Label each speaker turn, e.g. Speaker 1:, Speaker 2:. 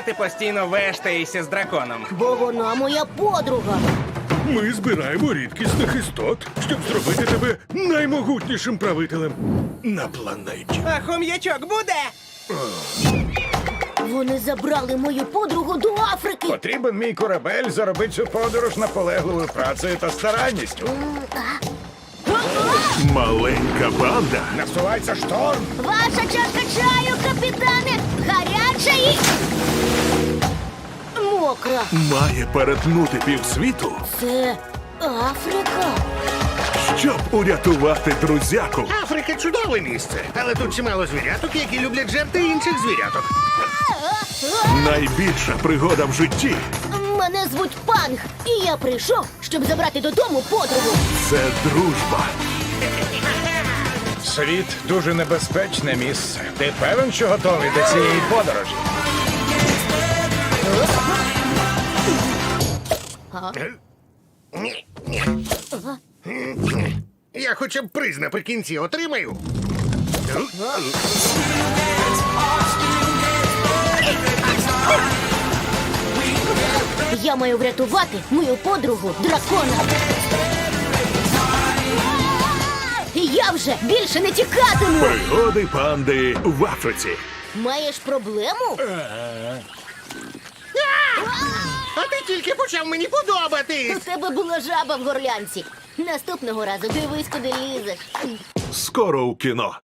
Speaker 1: ти постійно вештаєшся з драконом?
Speaker 2: Бо вона моя подруга.
Speaker 3: Ми збираємо рідкісних істот, щоб зробити тебе наймогутнішим правителем на планеті.
Speaker 1: А хом'ячок буде?
Speaker 2: Вони забрали мою подругу до Африки.
Speaker 4: Потрібен мій корабель заробити цю подорож наполегливою працею та старанністю.
Speaker 3: Маленька банда
Speaker 4: Насувається шторм.
Speaker 2: Ваша чашка чаю, капітане! Гаряча і... мокра.
Speaker 3: має перетнути півсвіту,
Speaker 2: Це Африка.
Speaker 3: щоб урятувати друзяку.
Speaker 5: Африка чудове місце, але тут чимало звіряток, які люблять жерти інших звіряток.
Speaker 3: Найбільша пригода в житті
Speaker 2: Мене звуть Панг, і я прийшов, щоб забрати додому подругу.
Speaker 3: – це дружба.
Speaker 4: Світ дуже небезпечне місце. Ти певен, що готовий до цієї подорожі?
Speaker 5: Ні, ні. Я хоча б приз наприкінці отримаю.
Speaker 2: Я маю врятувати мою подругу дракона. І я вже більше не тікатиму.
Speaker 3: Пригоди панди в Африці.
Speaker 2: Маєш проблему?
Speaker 5: А ти тільки почав мені подобатись.
Speaker 2: У тебе була жаба в горлянці. Наступного разу дивись, куди лізеш.
Speaker 3: Скоро у кіно.